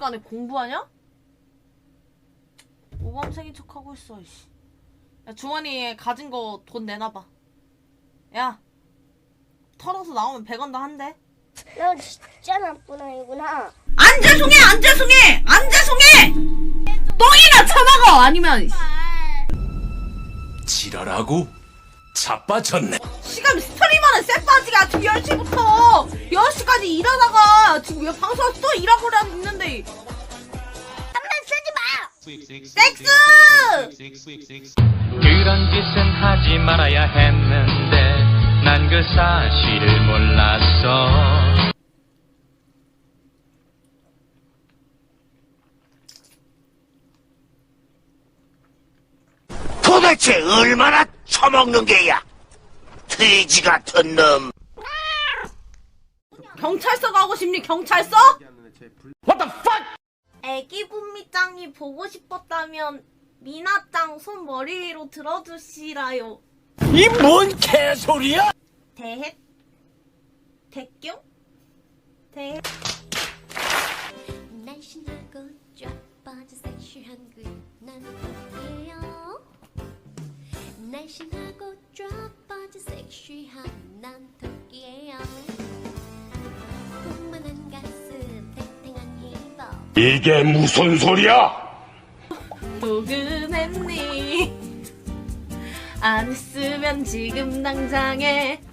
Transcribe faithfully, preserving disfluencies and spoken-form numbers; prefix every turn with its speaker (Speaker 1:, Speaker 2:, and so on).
Speaker 1: 시간에 공부하냐? 모범생인 척하고 있어. 이씨. 야, 주머니에 가진 거 돈 내놔봐. 야, 털어서 나오면 백 원 더 한대.
Speaker 2: 너 진짜 나쁜 아이구나.
Speaker 1: 안 죄송해, 안 죄송해, 안 죄송해. 똥이나 처먹어. 아니면
Speaker 3: 지랄하고 자빠졌네.
Speaker 1: 시간 스트리머는 쎄빠지게 아침 열 시부터 여섯 시까지 일하다가 지금 왜 방송에서 또 일하고 있는데.
Speaker 2: 한번 쓰지 마.
Speaker 1: 섹스!
Speaker 4: 그런 짓은 하지 말아야 했는데 난 그 사실을 몰랐어.
Speaker 5: 도대체 얼마나 처먹는 게야? 돼지 같은 놈.
Speaker 1: 경찰서 가고 싶니? 경찰서?
Speaker 3: What the fuck?
Speaker 1: 애기 분미짱이 보고 싶었다면 미나짱 손 머리 위로 들어주시라요.
Speaker 3: 이 뭔 개소리야?
Speaker 1: 대헷? 대교? 대헷?
Speaker 6: 날씬하고 쫙 빠진 섹시한 그난 토끼예요. 날씬하고 쫙 빠진 섹시한 난 토끼예요. 풍만한 가슴 탱탱한 힙업.
Speaker 3: 이게 무슨 소리야?
Speaker 1: 도금했니? 안 했으면 지금 당장에